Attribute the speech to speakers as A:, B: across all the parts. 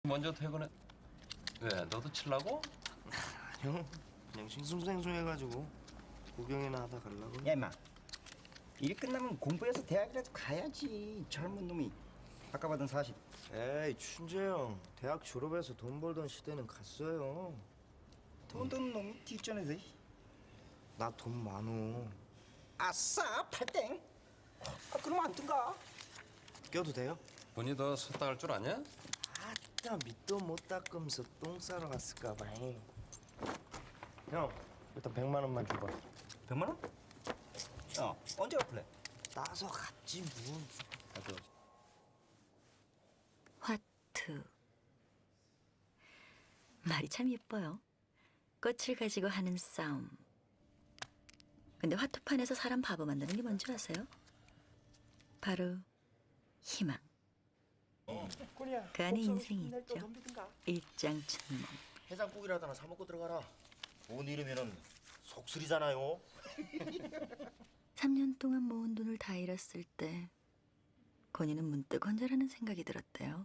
A: 먼저 퇴근해. 왜? 너도 칠라고?
B: 형 그냥 싱숭생숭해가지고 구경이나 하다 가려고.
C: 야 임마, 일 끝나면 공부해서 대학이라도 가야지. 젊은 놈이 아까 받은 40.
B: 에이 춘재 형 대학 졸업해서 돈 벌던 시대는 갔어요.
C: 돈 드는 놈이 뒷전에서.
B: 나 돈 많어.
C: 아싸, 팔땡. 그럼 안 뜬가?
B: 껴도 돼요?
A: 본이 더 섰다 할 줄 아냐?
B: 아따 밑도 못 닦으면서 똥 싸러 갔을까 봐. 형 일단 100만 원만 줘봐.
C: 100만 원? 야, 언제 갚을래?
B: 따서 갔지 뭐.
D: 화투. 말이 참 예뻐요. 꽃을 가지고 하는 싸움. 근데 화투판에서 사람 바보 만드는 게 뭔지 아세요? 바로 희망. 그 안에 인생이 있죠. 일장춘몽.
E: 해장국이라도 하나 사 먹고 들어가라. 돈 잃으면은 속쓰리잖아요.
D: 3년 동안 모은 돈을 다 잃었을 때 건이는 문득 혼자라는 생각이 들었대요.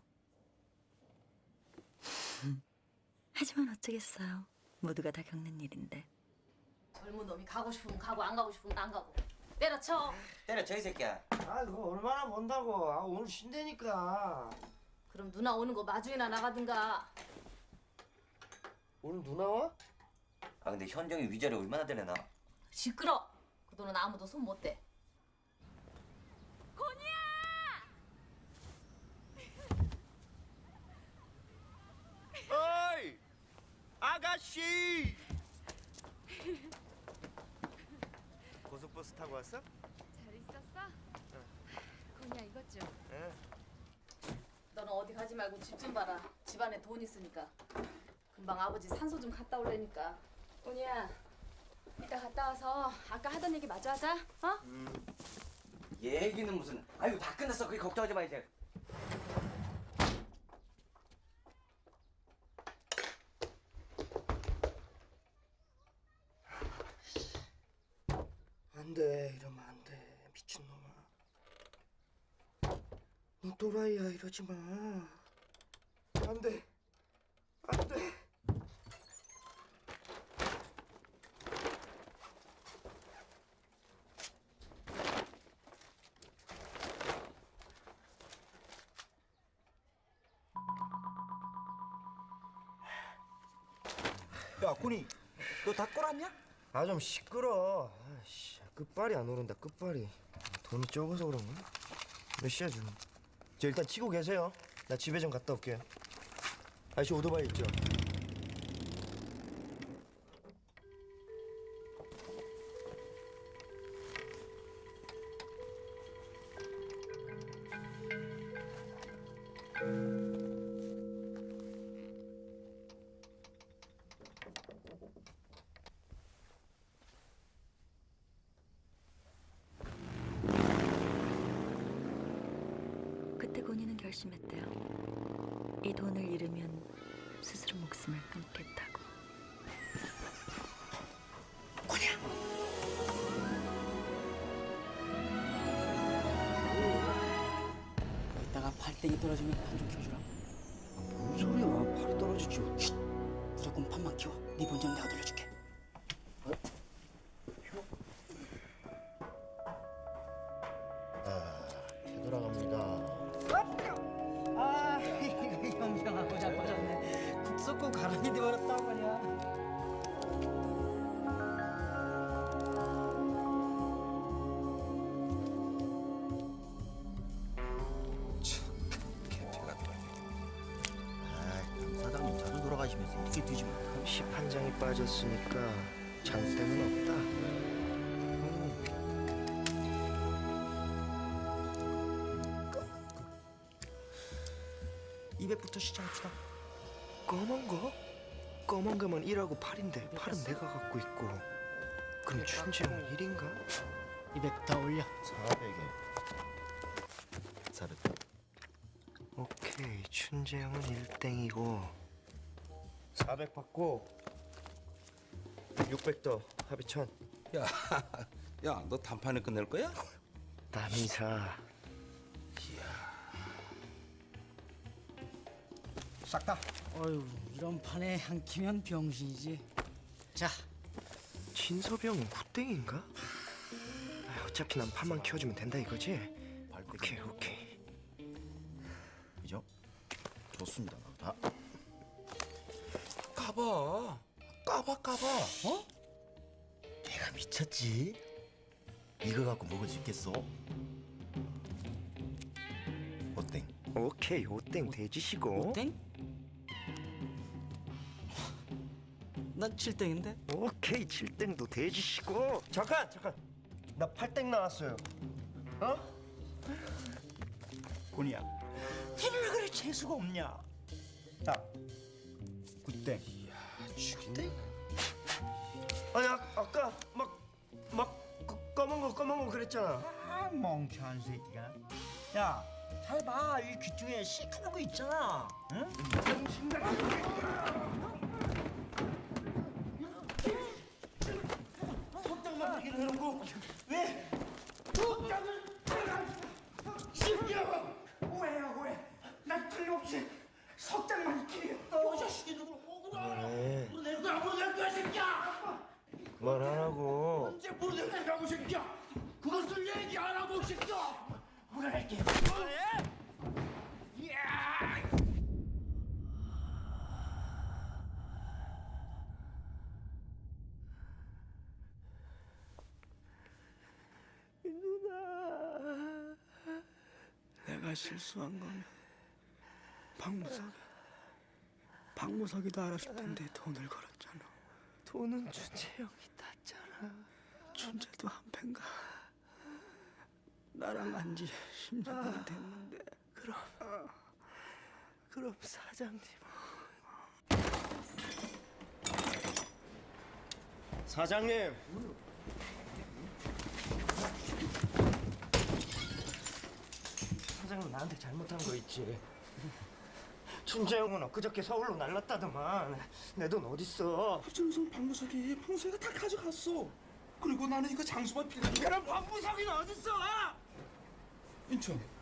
D: 하지만 어쩌겠어요. 모두가 다 겪는 일인데.
F: 젊은 놈이 가고 싶으면 가고 안 가고 싶으면 안 가고 때려쳐.
E: 때려쳐 이 새끼야.
B: 아 그거 얼마나 번다고. 아 오늘 쉰다니까.
F: 그럼 누나 오는 거 마중이나 나가든가.
B: 오늘 누나 와?
E: 아 근데 현정이 위자료 얼마나 되려나?
F: 시끄러. 그 돈은 아무도 손 못 대.
B: 어이 아가씨. 고속버스 타고 왔어?
G: 잘 있었어? 건이야 이것 좀.
B: 예.
F: 너는 어디 가지 말고 집 좀 봐라. 집안에 돈 있으니까. 금방 아버지 산소 좀 갔다 올래니까.
G: 건이야 이따 갔다 와서 아까 하던 얘기 마저 하자. 어?
E: 얘기는 무슨? 아유 다 끝났어. 그게 걱정하지 마 이제.
B: 안돼 이러면 안돼 미친놈아. 너 또라이야 이러지 마. 안돼 안돼.
C: 야, 군이, 너 다 끌었냐?
B: 아 좀 시끄러. 아씨 끝발이 안 오른다 끝발이. 돈이 적어서 그런가? 몇 시야 지금? 저 일단 치고 계세요. 나 집에 좀 갔다 올게요. 아저씨 오토바이 있죠?
D: 그때 건이는 결심했대요. 이 돈을 잃으면 스스로 목숨을 끊겠다고.
H: 이따가 팔땡이 떨어지면 판 좀 키워주라.
B: 뭔 소리야? 팔이 떨어지지.
H: 무조건 판만 키워. 네 본전 내가 돌려줄게.
B: 되돌아갑니다.
H: 아, 이거 형형하고 자빠졌네. 국 쏟고 가랑이 돼버렸단 말이야.
A: 개피 같다.
E: 아 사장님 자주 돌아가시면서 어떻게 뒤집어?
B: 십 한 장이 빠졌으니까 장땡은 없다.
H: 200부터 시작합시다.
B: 검은 거? 검은 거면 1하고 8인데 8은 내가 갖고 있고. 그럼 춘지 형 1인가?
H: 200 더 올려.
E: 400에 400.
B: 오케이 춘재 형은 1땡이고 400 받고 600 더 합의 1000.
A: 야, 야, 너 단판에 끝낼 거야?
B: 남이사.
C: 싹 다.
H: 어휴, 이런 판에 한 키면 병신이지. 자,
B: 진섭이 형은 후땡인가? 어차피 난 판만 키워주면 된다 이거지? 오케이 오케이.
E: 이죠? 좋습니다. 자,
A: 가봐. 까봐.
E: 어? 내가 미쳤지? 이거 갖고 먹을 수 있겠어? 어땡?
B: 오케이 오땡 돼지시고.
H: 땡? 난 7땡인데?
B: 오케이 7땡도 돼지시고. 잠깐 나 8땡 나왔어요. 어?
C: 곤이야. 니는 왜 그래 재수가 없냐? 자, 9땡.
A: 죽인데?
B: 아니 아까 막 검은 거 그랬잖아.
C: 아, 멍청한 새끼가. 야, 잘 봐. 이 귀 중에 시커먼 거 있잖아. 응?
B: 석장만 얘기를 해놓고 왜 석장을 심지어 왜? 난 틀림없이 석장만 있기했어. 이 자식이 누굴 억울해. 내가 모르는 거야 새끼야. 말하라고. 언제 모르는 거야 새끼야. 그것을 얘기 안 하고 새끼야. 물어낼게.
I: 내가 실수한 거면 박무석이도 알았을 텐데 돈을 걸었잖아.
B: 돈은 준채형이 땄잖아.
I: 춘재도 한패인가. 나랑 안지 10년이나 됐는데.
B: 그럼 사장님. 사장님. 사장님 나한테 잘못한 거 있지. 춘재형은 엊그저께 서울로 날랐다더만. 내 돈 어딨어?
I: 박정성 박무석이 평소에가 다 가져갔어. 그리고 나는 이거 장수만 빌려.
B: 그럼 박무석이는 어딨어?
I: 인천